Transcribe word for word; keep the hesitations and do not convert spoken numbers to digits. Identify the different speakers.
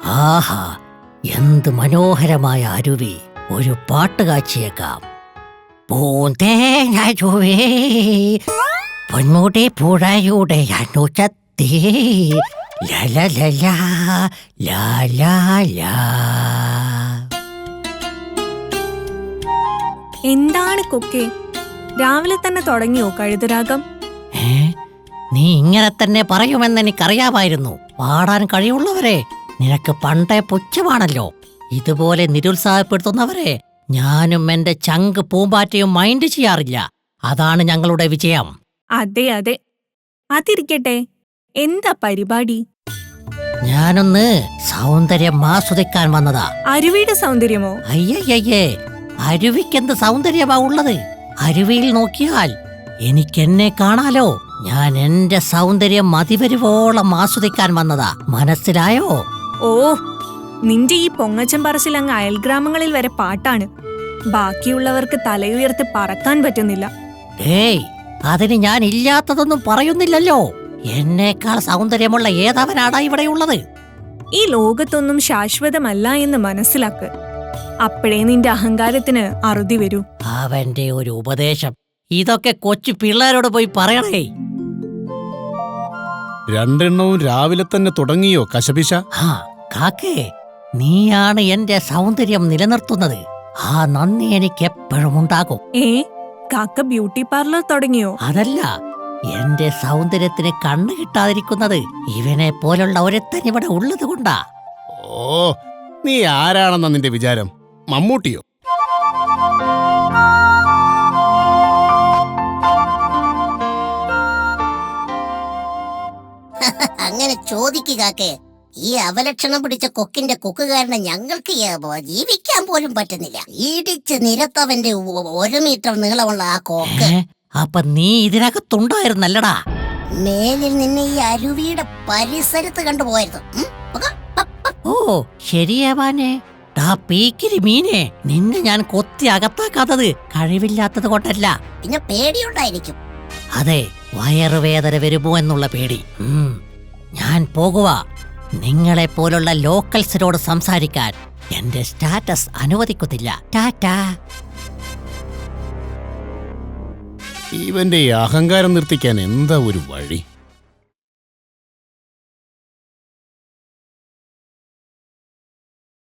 Speaker 1: ആഹാ, എന്ത് മനോഹരമായ അരുവി! ഒരു പാട്ട് കാച്ചിയേക്കാം. പൂന്തേങ്ങരുവേ പൊന്മുടി പുഴയുടെ അനുചത്തി ലലലലാ ലാലാലാ.
Speaker 2: എന്താണ് കൊക്കെ, രാവിലെ തന്നെ തുടങ്ങിയോ കഴുതരാഗം?
Speaker 1: ഏ നീ ഇങ്ങനെ തന്നെ പറയുമെന്ന് എനിക്കറിയാമായിരുന്നു. പാടാൻ കഴിവുള്ളവരെ നിനക്ക് പണ്ടേ പുച്ഛമാണല്ലോ. ഇതുപോലെ നിരുത്സാഹപ്പെടുത്തുന്നവരെ ഞാനും എന്റെ ചങ്ക് പൂമ്പാറ്റയും മൈൻഡ് ചെയ്യാറില്ല. അതാണ് ഞങ്ങളുടെ വിജയം.
Speaker 2: അതെ അതെ, അതിരിക്കട്ടെ, എന്താ പരിപാടി?
Speaker 1: ഞാനൊന്ന് സൗന്ദര്യം ആസ്വദിക്കാൻ വന്നതാ.
Speaker 2: അരുവിയുടെ സൗന്ദര്യമോ?
Speaker 1: അയ്യയ്യേ, അരുവിക്കെന്ത് സൗന്ദര്യമാ ഉള്ളത്? അരുവിയിൽ നോക്കിയാൽ എനിക്കെന്നെ കാണാലോ. ഞാൻ എന്റെ സൗന്ദര്യം മതിവരുവോളം ആസ്വദിക്കാൻ വന്നതാ. മനസ്സിലായോ?
Speaker 2: ഓ, നിന്റെ ഈ പൊങ്ങച്ചം പറച്ചിൽ അങ്ങ് അയൽഗ്രാമങ്ങളിൽ വരെ പാട്ടാണ്. ബാക്കിയുള്ളവർക്ക് തലയുയർത്തി പറക്കാൻ പറ്റുന്നില്ല.
Speaker 1: ഏയ്, അതിന് ഞാൻ ഇല്ലാത്തതൊന്നും പറയുന്നില്ലല്ലോ. എന്നേക്കാൾ സൗന്ദര്യമുള്ള ഏതവനാടാ ഇവിടെയുള്ളത്?
Speaker 2: ഈ ലോകത്തൊന്നും ശാശ്വതമല്ല എന്ന് മനസ്സിലാക്ക്. അപ്പോഴേ നിന്റെ അഹങ്കാരത്തിന് അറുതി വരൂ.
Speaker 1: അവന്റെ ഒരു ഉപദേശം. ഇതൊക്കെ കൊച്ചു പിള്ളേരോട് പോയി പറയണേ.
Speaker 3: രണ്ടെണ്ണവും രാവിലെ തന്നെ തുടങ്ങിയോ കശപിശ?
Speaker 1: ആ കാക്കേ, നീയാണ് എന്റെ സൗന്ദര്യം നിലനിർത്തുന്നത്. ആ നന്ദി എനിക്ക് എപ്പോഴും ഉണ്ടാകും.
Speaker 2: ഏ, കാക്ക ബ്യൂട്ടി പാർലർ തുടങ്ങിയോ?
Speaker 1: അതല്ല, എന്റെ സൗന്ദര്യത്തിന് കണ്ണു കിട്ടാതിരിക്കുന്നത് ഇവനെ പോലുള്ള ഒരുത്തൻ ഇവിടെ ഉള്ളത് കൊണ്ടാ.
Speaker 3: ഓ, നീ ആരാണെന്നാ നിന്റെ വിചാരം? മമ്മൂട്ടിയോ?
Speaker 4: അങ്ങനെ ചോദിക്കാക്കെ. ഈ അവലക്ഷണം പിടിച്ച കൊക്കിന്റെ കൊക്കുകാരനെ ഞങ്ങൾക്ക് ജീവിക്കാൻ പോലും പറ്റുന്നില്ല. ഇടിച്ച് നിരത്തവന്റെ ഒരു മീറ്റർ നീളമുള്ള ആ കൊക്ക്.
Speaker 1: അപ്പൊ നീ ഇതിനകത്തുണ്ടായിരുന്നല്ലടാ?
Speaker 4: മേലിൽ നിന്നെ ഈ അരുവിയുടെ പരിസരത്ത് കണ്ടുപോയിരുന്നു.
Speaker 1: ഓ ശരിയാവാനേ. ടാ പീക്കിരി മീനെ, നിന്നെ ഞാൻ കൊത്തി അകത്താക്കാത്തത് കഴിവില്ലാത്തത് കൊണ്ടല്ല.
Speaker 4: പിന്നെ പേടിയുണ്ടായിരിക്കും.
Speaker 1: അതെ, വയറുവേദന വരുമോ എന്നുള്ള പേടി. ഞാൻ പോകുക. നിങ്ങളെ പോലുള്ള ലോക്കൽസിനോട് സംസാരിക്കാൻ എന്റെ സ്റ്റാറ്റസ് അനുവദിക്കുന്നില്ല. ടാറ്റാ.
Speaker 3: ഇവന്റെ ഈ അഹങ്കാരം നിർത്തിക്കാൻ എന്താ ഒരു വഴി?